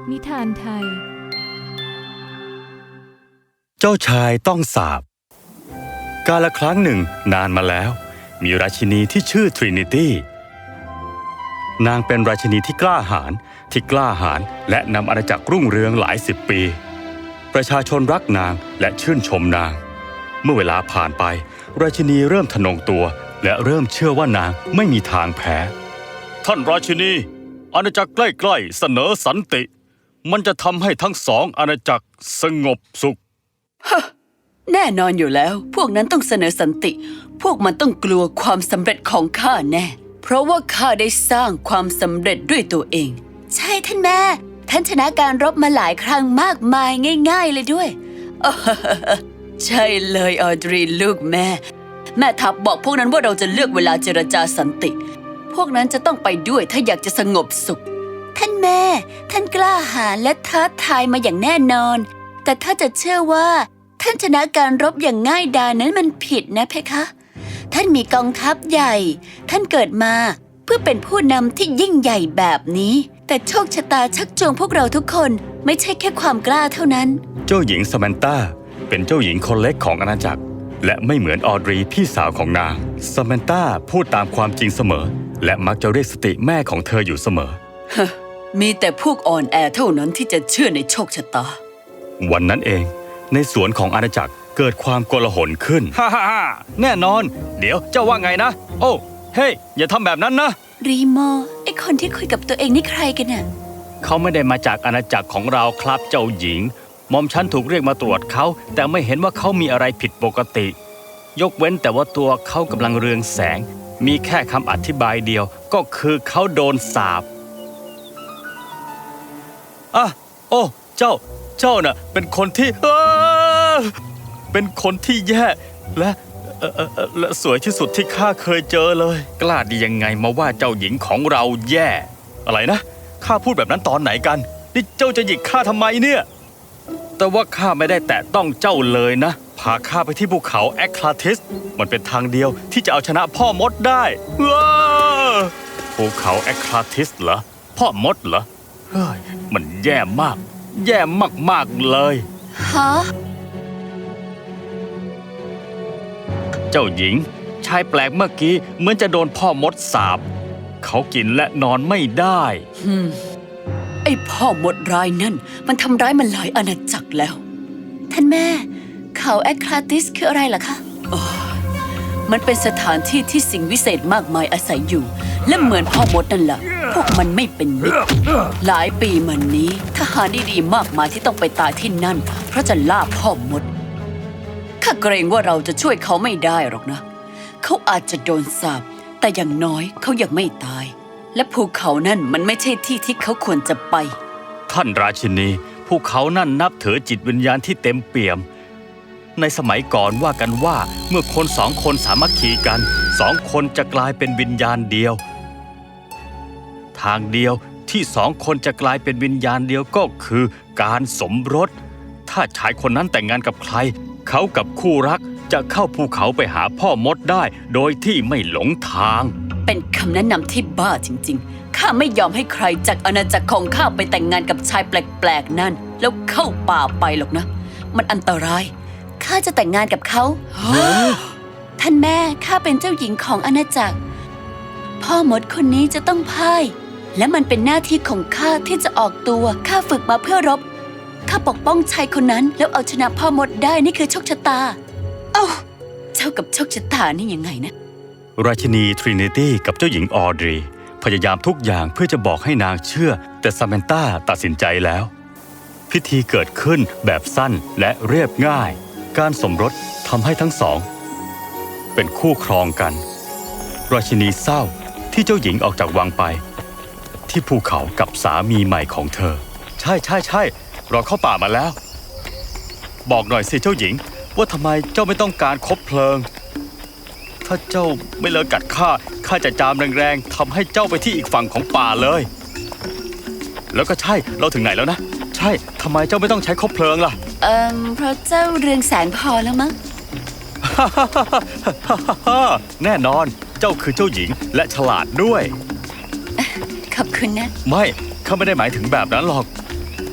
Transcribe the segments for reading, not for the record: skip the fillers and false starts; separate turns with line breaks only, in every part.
นิทานไทย
เจ้าชายต้องสาปกาลครั้งหนึ่งนานมาแล้วมีราชินีที่ชื่อทรินิตี้นางเป็นราชินีที่กล้าหาญและนำอาณาจักรรุ่งเรืองหลายสิบปีประชาชนรักนางและชื่นชมนางเมื่อเวลาผ่านไปราชินีเริ่มทะนงตัวและเริ่มเชื่อว่านางไม่มีทางแพ้ท่านราชินีอาณาจักรใกล้ๆเสนอสันติมันจะทำให้ทั้งสองอาณาจักรสงบสุข
แน่นอนอยู่แล้วพวกนั้นต้องเสนอสันติพวกมันต้องกลัวความสำเร็จของข้าแน่เพราะว่าข้าได้สร้างความสำเร็จด้วยตัวเองใช่ท่านแม่ท่านชนะการรบมาหลายครั้งมากมายง่ายๆเลยด้วย ใช่เลยออดรีลูกแม่ทัพบอกพวกนั้นว่าเราจะเลือกเวลาเจรจาสันติพวกนั้นจะต้องไปด้วยถ้าอยากจะสงบสุขท่านแม่ท่านกล้าหาญและท้าทายมาอย่างแน่นอนแต่ถ้าจะเชื่อว่าท่านชนะการรบอย่างง่ายดายนั้นมันผิดนะเพคะท่านมีกองทัพใหญ่ท่านเกิดมาเพื่อเป็นผู้นำที่ยิ่งใหญ่แบบนี้แต่โชคชะตาชักจูงพวกเราทุกคนไม่ใช่แค่ความกล้าเท่านั้น
เจ้าหญิงสแมนตาเป็นเจ้าหญิงคนเล็กของอาณาจักรและไม่เหมือนออดรีพี่สาวของนางสแมนตาพูดตามความจริงเสมอและมักจะเรียกสติแม่ของเธออยู่เสมอ
มีแต่พวกอ่อนแอเท่านั้นที่จะเชื่อในโชคชะตา
วันนั้นเองในสวนของอาณาจักรเกิดความโกลาหลขึ้นฮ่าแน่นอนเดี๋ยวเจ้าว่าไงนะโอ้เฮ้ยอย่าทำแบบนั้นนะ
รีโมไอคนที่คุยกับตัวเองนี่ใครกันน่ะ
เขาไม่ได้มาจากอาณาจักรของเราครับเจ้าหญิงหม่อมฉันถูกเรียกมาตรวจเขาแต่ไม่เห็นว่าเขามีอะไรผิดปกติยกเว้นแต่ว่าตัวเขากำลังเรืองแสงมีแค่คำอธิบายเดียวก็คือเขาโดนสาปโอ้เจ้าน่ะเป็นคนที่เป็นคนที่แย่และสวยที่สุดที่ข้าเคยเจอเลยกล้าดียังไงมาว่าเจ้าหญิงของเราแย่อะไรนะข้าพูดแบบนั้นตอนไหนกันนี่เจ้าจะหยิกข้าทำไมเนี่ยแต่ว่าข้าไม่ได้แตะต้องเจ้าเลยนะพาข้าไปที่ภูเขาแอคลาทิสมันเป็นทางเดียวที่จะเอาชนะพ่อมดได้ภูเขาแอคลาทิสเหรอพ่อมดเหรอเฮ้ยมันแย่มากเลย
ฮะ
เจ้าหญิงชายแปลกเมื่อกี้เหมือนจะโดนพ่อมดสาปเขากินและนอนไม่ได้
ไอ้พ่อมดร้ายนั่นมันทำร้ายมันหลายอาณาจักรแล้วท่านแม่เขาแอคลาติสคืออะไรล่ะคะมันเป็นสถานที่ที่สิ่งวิเศษมากมายอาศัยอยู่และเหมือนพ่อมดนั่นแหละพวกมันไม่เป็นมิตรหลายปีมานี้ทหารดีๆมากมายที่ต้องไปตายที่นั่นเพราะจะล่าพ่อมดข้าเกรงว่าเราจะช่วยเขาไม่ได้หรอกนะเขาอาจจะโดนสาปแต่อย่างน้อยเขายังไม่ตายและภูเขานั่นมันไม่ใช่ที่ที่เขาควรจะไป
ท่านราชินีภูเขานั่นนับถือจิตวิญญาณที่เต็มเปี่ยมในสมัยก่อนว่ากันว่าเมื่อคนสองคนสามัคคีกันสองคนจะกลายเป็นวิญญาณเดียวทางเดียวที่สองคนจะกลายเป็นวิญญาณเดียวก็คือการสมรสถ้าชายคนนั้นแต่งงานกับใครเขากับคู่รักจะเข้าภูเขาไปหาพ่อมดได้โดยที่ไม่หลงทาง
เป็นคำแนะนำที่บ้าจริงๆข้าไม่ยอมให้ใครจากอาณาจักรของข้าไปแต่งงานกับชายแปลกๆนั่นแล้วเข้าป่าไปหรอกนะมันอันตรายข้าจะแต่งงานกับเขา ท่านแม่ข้าเป็นเจ้าหญิงของอาณาจักรพ่อมดคนนี้จะต้องพ่ายและมันเป็นหน้าที่ของข้าที่จะออกตัวข้าฝึกมาเพื่อรบข้าปกป้องชายคนนั้นแล้วเอาชนะพ่อมดได้นี่คือโชคชะตาเจ้ากับโชคชะตานี่ยังไงนะ
ราชินีทรินิตี้กับเจ้าหญิงออดรีพยายามทุกอย่างเพื่อจะบอกให้นางเชื่อแต่ซาแมนตาตัดสินใจแล้วพิธีเกิดขึ้นแบบสั้นและเรียบง่ายการสมรสทำให้ทั้งสองเป็นคู่ครองกันราชินีเศร้าที่เจ้าหญิงออกจากวังไปที่ภูเขากับสามีใหม่ของเธอใช่เราเข้าป่ามาแล้วบอกหน่อยสิเจ้าหญิงว่าทำไมเจ้าไม่ต้องการคบเพลิงถ้าเจ้าไม่เลิกกัดข้าจะจามแรงๆทำให้เจ้าไปที่อีกฝั่งของป่าเลยแล้วก็ใช่เราถึงไหนแล้วนะใช่ทำไมเจ้าไม่ต้องใช้คบเพลิงล่ะ
เพราะเจ้าเรืองแสงพอแล้วมั้ง
แน่นอนเจ้าคือเจ้าหญิงและฉลาดด้วย
ขอบคุณนะ
ไม่ข้าไม่ได้หมายถึงแบบนั้นหรอก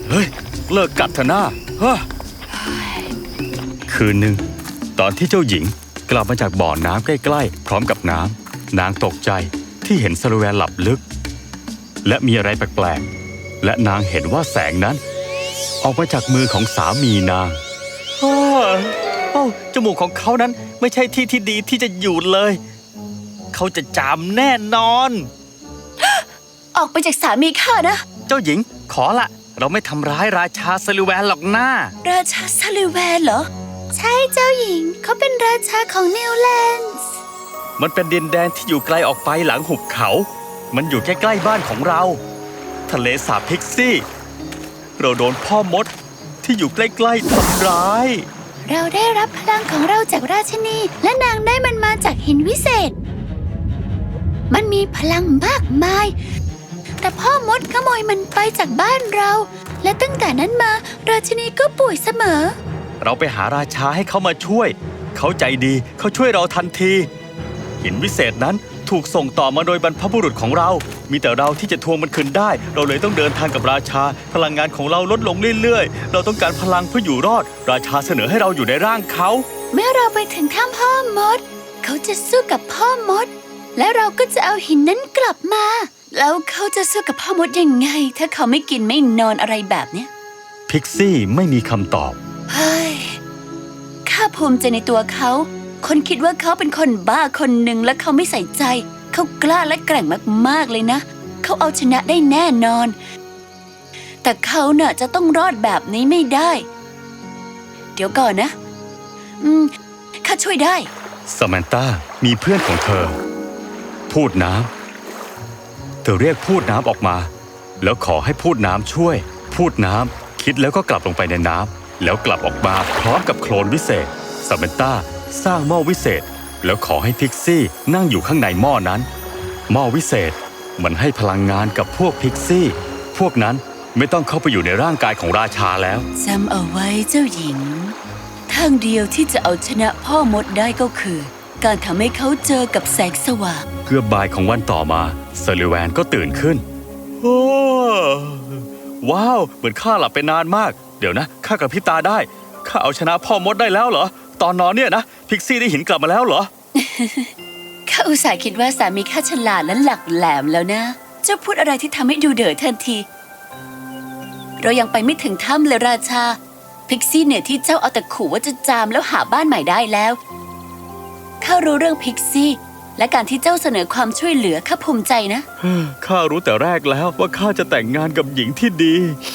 เฮ้ยเลิกกัดเถอะนะเฮ้ยคืนหนึ่งตอนที่เจ้าหญิงกลับมาจากบ่อน้ำใกล้ๆพร้อมกับน้ำนางตกใจที่เห็นซาลูแวนหลับลึกและมีอะไรแปลกๆและนางเห็นว่าแสงนั้นออกมาจากมือของสามีนางโอ้จมูกของเขานั้นไม่ใช่ที่ที่ดีที่จะอยู่เลยเขาจะจามแน่นอน
ออกไปจากสามีข้านะ
เจ้าหญิงขอละเราไม่ทำร้ายราชาซาลูแวนหรอกนะ
ราชาซาลิแวนเหรอ ใช่เจ้าหญิงเขาเป็นราชาของนิวแลนด์
มันเป็นดินแดนที่อยู่ไกลออกไปหลังหุบเขามันอยู่ใกล้ๆบ้านของเราทะเลสาบพิกซี่เราโดนพ่อมดที่อยู่ใกล้ๆทำร้าย
เราได้รับพลังของเราจากราชินีและนางได้มันมาจากหินวิเศษ มันมีพลังมากมายแต่พ่อมดขโมยมันไปจากบ้านเราและตั้งแต่นั้นมาราชินีก็ป่วยเสมอ
เราไปหาราชาให้เขามาช่วยเขาใจดีเขาช่วยเราทันทีหินวิเศษนั้นถูกส่งต่อมาโดยบรรพบุรุษของเรามีแต่เราที่จะทวงมันคืนได้เราเลยต้องเดินทางกับราชาพลังงานของเราลดลงเรื่อยๆเราต้องการพลังเพื่ออยู่รอดราชาเสนอให้เราอยู่ในร่างเขา
เมื่อเราไปถึงถ้ำพ่อมดเขาจะสู้กับพ่อมดและเราก็จะเอาหินนั้นกลับมาแล้วเขาจะสู้กับพ่อมดยังไงถ้าเขาไม่กินไม่นอนอะไรแบบเนี้ย
พิกซี่ไม่มีคำตอบ
เฮ้ยข้าภูมิใจในตัวเขา คนคิดว่าเขาเป็นคนบ้าคนหนึ่งและเขาไม่ใส่ใจ เขากล้าและแกร่งมากๆเลยนะ เขาเอาชนะได้แน่นอน แต่เขาน่ะจะต้องรอดแบบนี้ไม่ได้ เดี๋ยวก่อนนะ ข้าช่วยได้
สแมนตามีเพื่อนของเธอ พูดน้ำเธอเรียกพูดน้ำออกมาแล้วขอให้พูดน้ำช่วย พูดน้ำคิดแล้วก็กลับลงไปในน้ำแล้วกลับออกมาพร้อมกับโคลนวิเศษสแมนตาสร้างหม้อวิเศษแล้วขอให้พิกซี่นั่งอยู่ข้างในหม้อนั้นหม้อวิเศษมันให้พลังงานกับพวกพิกซี่พวกนั้นไม่ต้องเข้าไปอยู่ในร่างกายของราชาแล้ว
จำเอาไว้เจ้าหญิง ทางเดียวที่จะเอาชนะพ่อมดได้ก็คือ การทำให้เขาเจอกับแสงสว่าง
เกือบบ่ายของวันต่อมาซาลิแวนก็ตื่นขึ้นโอ้ว้าวเหมือนข้าหลับไปนานมากเดี๋ยวนะข้ากระพริบตาได้ข้าเอาชนะพ่อมดได้แล้วเหรอตอนนอนเนี่ยนะพิกซี่ได้หินกลับมาแล้วเหรอ
ข้าอุตส่าห์คิดว่าสามีข้าฉลาดและหลักแหลมแล้วนะ เจ้าพูดอะไรที่ทำให้ดูเดือดทันที เรายังไปไม่ถึงถ้ำเลยราชา พิกซี่เนี่ยที่เจ้าเอาแต่ขู่ว่าจะจามแล้วหาบ้านใหม่ได้แล้วข้ารู้เรื่องพิกซี่และการที่เจ้าเสนอความช่วยเหลือข้าภูมิใจนะ
ข้ารู้แต่แรกแล้วว่าข้าจะแต่งงานกับหญิงที่ดี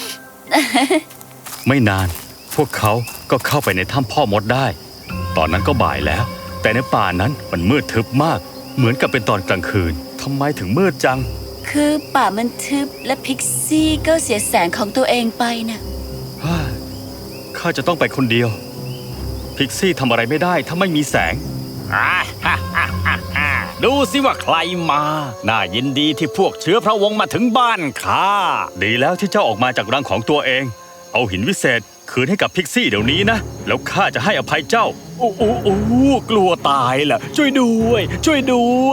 ไม่นานพวกเขาก็เข้าไปในถ้ำพ่อมดได้ ตอนนั้นก็บ่ายแล้วแต่ในป่านั้นมันมืดทึบมากเหมือนกับเป็นตอนกลางคืนทำไมถึงมืดจัง
คือป่ามันทึบและพิกซี่ก็เสียแสงของตัวเองไปนะ
ข้าจะต้องไปคนเดียวพิกซี่ทำอะไรไม่ได้ถ้าไม่มีแสง
ดูสิว่าใครมา น่ายินดีที่พวกเชื้อพระวงศ์มาถึงบ้านข้า
ดีแล้วที่เจ้าออกมาจากรังของตัวเองเอาหินวิเศษคืนให้กับพิกซี่เดี๋ยวนี้นะแล้วข้าจะให้อภัยเจ้า
โอ้กลัวตายล่ะ ช่วยด้วย ช่วยด้วย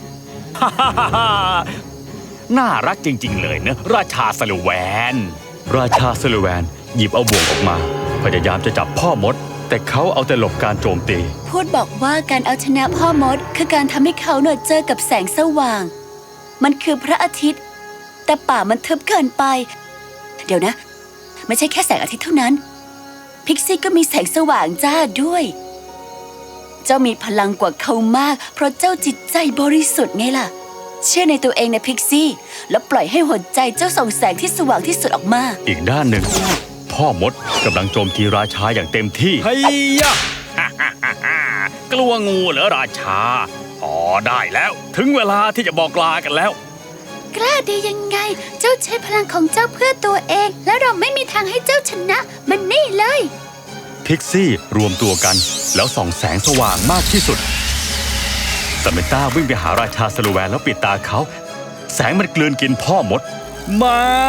น่ารักจริงๆเลยนะราชาสลูแวน
ราชาซาลูแวนหยิบเอาบ่วงออกมาพยายามจะจับพ่อมดแต่เขาเอาแต่หลบการโจมตี
พูดบอกว่าการเอาชนะพ่อมดคือการทำให้เขาเจอกับแสงสว่าง มันคือพระอาทิตย์ แต่ป่ามันทึบเกินไป เดี๋ยวนะ ไม่ใช่แค่แสงอาทิตย์เท่านั้น พิกซี่ก็มีแสงสว่างจ้าด้วย เจ้ามีพลังกว่าเขามากเพราะเจ้าจิตใจบริสุทธิ์ไงล่ะ เชื่อในตัวเองนะพิกซี่แล้วปล่อยให้หัวใจเจ้าส่องแสงที่สว่างที่สุดออกมา
อีกด้านหนึ่งพ่อมดกำลังโจมตีราชาอย่างเต็มที่
เฮ้ยยะ กลัวงูเหรอราชาพอได้แล้ว ถึงเวลาที่จะบอกลากันแล้ว
กล้าได้ยังไง เจ้าใช้พลังของเจ้าเพื่อตัวเอง และเราไม่มีทางให้เจ้าชนะ มันนี่เลย
พิกซี่รวมตัวกันแล้วส่องแสงสว่างมากที่สุดสเมนต้าวิ่งไปหาราชาซาลูแวนแล้วปิดตาเขาแสงมันกลืนกินพ่อมด
ไม่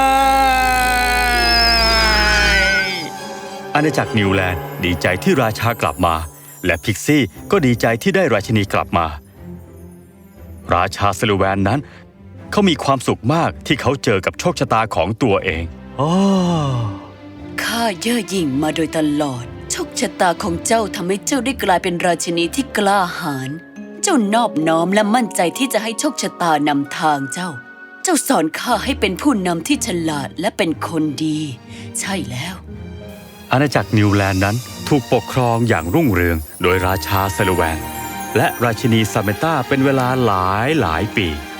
อาณาจักรนิวแลนด์ดีใจที่ราชากลับมาและพิกซี่ก็ดีใจที่ได้ราชินีกลับมาราชาซาลูแวนนั้นเขามีความสุขมากที่เขาเจอกับโชคชะตาของตัวเอง
ข้าเย่อหยิ่งมาโดยตลอดโชคชะตาของเจ้าทำให้เจ้าได้กลายเป็นราชินีที่กล้าหาญเจ้านอบน้อมและมั่นใจที่จะให้โชคชะตานำทางเจ้า เจ้าสอนข้าให้เป็นผู้นำที่ฉลาดและเป็นคนดี ใช่แล้ว
อาณาจักรนิวแลนด์นั้นถูกปกครองอย่างรุ่งเรืองโดยราชาเซลแวนและราชินีซาเมนตาเป็นเวลาหลายปี